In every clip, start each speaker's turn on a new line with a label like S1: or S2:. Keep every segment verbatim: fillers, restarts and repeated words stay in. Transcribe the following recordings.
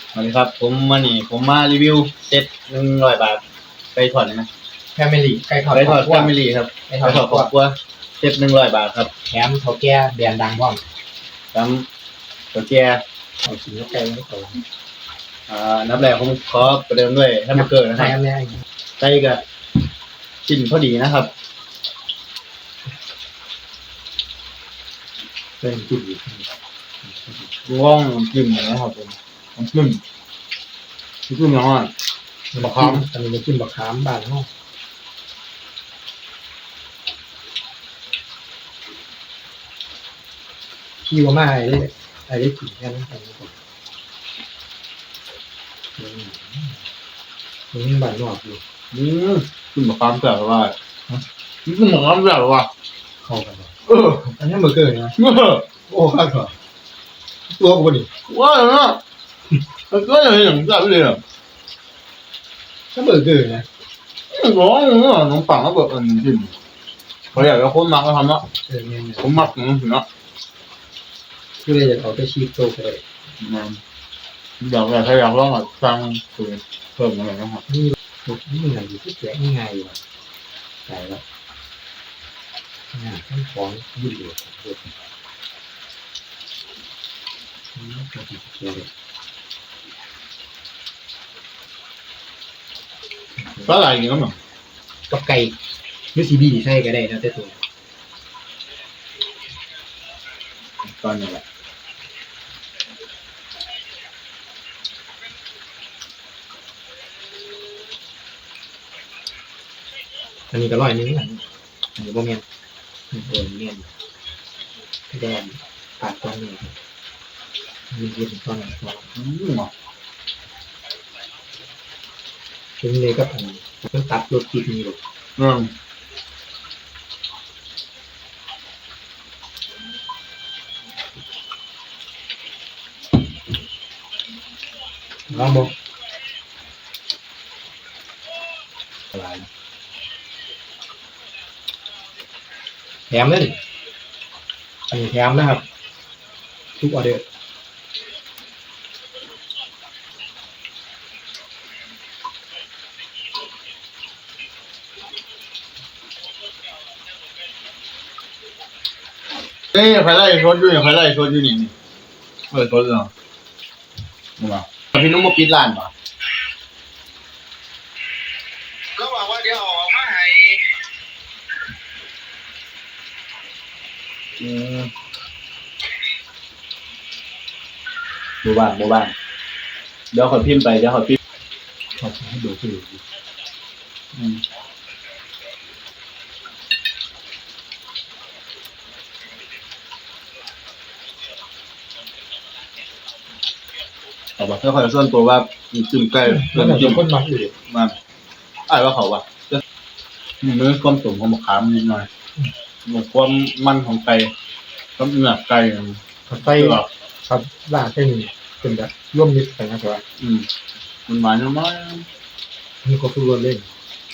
S1: สวัสดีครับผมมานี่ผมมารีวิวเซ็ตหนึ่งร้อยบาทไปถอดนะ
S2: แฟมิลี่ไก่ทอด
S1: ไปถอดแฟมิลี่ครับ
S2: ไก่
S1: ไป
S2: ทอด
S1: ถอดครอบครัวเซ็ตหนึ่งร้อยบาทครับ
S2: แถมเขาแก่แบรนด์ดังพร้อม
S1: แถมตัวแก่
S2: เอาชิ้นไก่ไม่โต
S1: อ่านับแรกผมขอประเดิมด้วยแฮมเบอร์เกอร์นะครับไก่กับชิ้นพอดีนะครับ
S2: เป็นจุด
S1: ว่องจิ้มนะครับผมน้ำจิ้มน้ำจิ้มยังไง
S2: บักขามอันนี้เป็นจิ้มบักขามบ้านห้องขี้ว่ามาไอ้ได้ไอ้ได้กลิ่นแค่นั้นเองนี่บ้านนอกอยู่
S1: อืมจิ้มมะขามแซ่บว่าจิ้มมะขามแซ่บว่า
S2: เข้ากันเลย
S1: เออ
S2: อันนี้เบอร์เกอร์นะโอ้ข้าวเหรอตัวกูดิ
S1: ว่าเนาะมันก็อย่างอย่างแซ่บเลยอ่ะ
S2: ถ้าเบอร์เกอร์นะ
S1: ร้อนเนาะน้องปังก็แบบอันนี้จิ้มเขาอยากจะคนมักก็ทำเนาะผมมักอย่างนี้เนาะ
S2: คือเลยอยากเอาไปชีสโตไปเลย
S1: อยากอะไรถ้าอยากลองอ่ะสั่งคือเพิ่มอะไรนะครับ
S2: นี่นี่มันอยู่ที่แกะง่ายอยู่ใส่แล้วนี่ต้องฟ้องยืดเหยียด
S1: ก็อะไรอย่างเงี้ยมั้ง
S2: กับไก่ยูซีบีใช่ก็ได้นะแต่ตัว
S1: ตอนนี้แหละ
S2: อันนี้ก็ร้อยนึงอันนี้บ่เมียนเออเมียนแดงปาดตอนนี้มีเย็นตอนนี้
S1: อืม
S2: ถึงเลยก็ผมต้องตัดรถติดนี่ลูก
S1: อืม
S2: ลองบอกอะไรแถมเลยอันนี้แถมนะครับทุกออเดอร์
S1: เอ้ยใครไล่ชดอยู่เนี่ยใครไล่ชดอยู่นี่เออชดเหรอมาพี่นุ่มมาปิดร้านป่ะ
S3: ก็บอกว่าเดี๋ยวออกมาให้
S1: อืมบูบ้านบูบ้านเดี๋ยวขอพิมพ์ไปเดี๋ยวขอพิมพ์
S2: ขอให้ดูที่
S1: อืมเอาบอกถ้าใครส่วนตัวว่าจิ้มไก่
S2: เพื่อนจิ้มคนมักอยู่
S1: มาไอ้ว่าเขาว่าจะมีเนื้อความตุ๋นของมะขามนิดหน่อยมีความมันของไก่ความเนื้อไก่
S2: ไก่ครับล่าเส้นเป็นแบบร่วมมิตรกันนะครับ
S1: อืมมันหวานน้อย
S2: นี่ก็คือรวนเล่น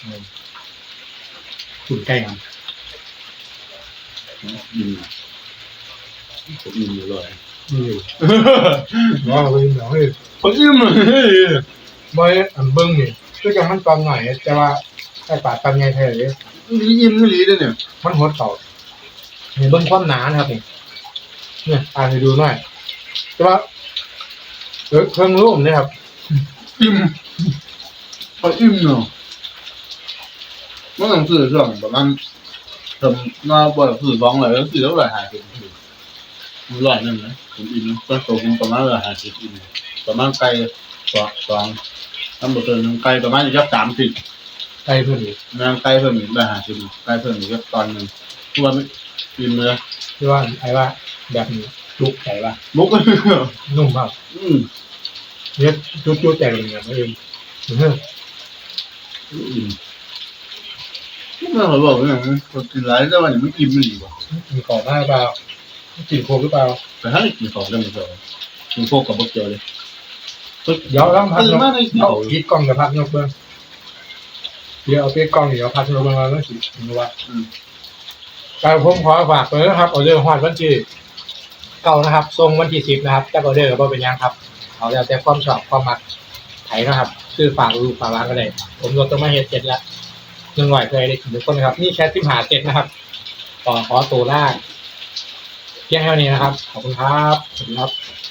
S2: ขุ่นไก่ครับ
S1: อิ่มผมอิ่มอยู่เลย
S2: อืมว้าวเลยเหรอเฮ้ย
S1: ผมอิ่มเลย
S2: ไม่อันเบิ้งนี่ก็ยังมันตอนหน่อยแต่ว่าไอ้ป่าตอนไงแท้เลย
S1: นี่อิ่มไม่ดีเลยเนี่ย
S2: มันหัวเต่าเห็นเบิ้งความหนานะครับนี่เนี่ยอ่านให้ดูหน่อยแต่ว่าเออเครื่องรูปเนี่ยครับ
S1: อิ่มพออิ่มเนาะมันต้องซื้อช่วงประมาณทำหน้าบ่อยซื้อสองเลยแล้วซื้อแล้วหลายหายเป็นมันร้อยนึงนะผมอิ่มก็ตกประมาณหลายหายสิบอิ่มประมาณไก่สองสองทำบะเติมไก่ประมาณอีกสักสามสิบ
S2: ไก่เพิ่มอีก
S1: งานไก่เพิ่มอีกหลายหายสิบไก่เพิ่มอีกสักตอนหนึ่งทุกวันอิ่มเลย
S2: ที่ว่าไอ้ว่าแบบนี้ลุกไก่ว่า
S1: ลุก
S2: นุ่มมาก
S1: อืม
S2: เนี่ยจุ๊บๆแต่ละอย่างเองเฮ้ย
S1: อิ่มไม่เขาบอกว่าอย่างนี้คนกินไรแต่วันนี้ไม่อิ่มไม่ดีกว่า
S2: มีของหน้าเปล่ากินโคกหรือเปล่า
S1: แต่ถ้ากินของก็ไม่พอกินโคกกับบักเจอเลย
S2: เดี๋ยวต้องพักยกเอาคิดกล้องกับพักยกเบื้องเดี๋ยวเอาเปี๊ยกล้องเดี๋ยวพักยกเบื้องมาแล้วสิรู้ว่าการผมขอฝากเลยนะครับออเดอร์ฮอดวันที่เก้านะครับทรงวันที่สิบนะครับจากออเดอร์ก็เป็นยังครับเอาแล้วแต่ความชอบความมักไถนะครับซื้อฝากลูกฝากร้านก็ได้ผมรถต้องมาเฮ็ดเสร็จแล้วหนึ่งหน่อยเคยได้กินทุกคนนะครับนี่แค่สิบหาเจ็ดนะครับต่อขอตัวล่างเพียงเท่านี้นะครับขอบคุณครับสวัสดีครับ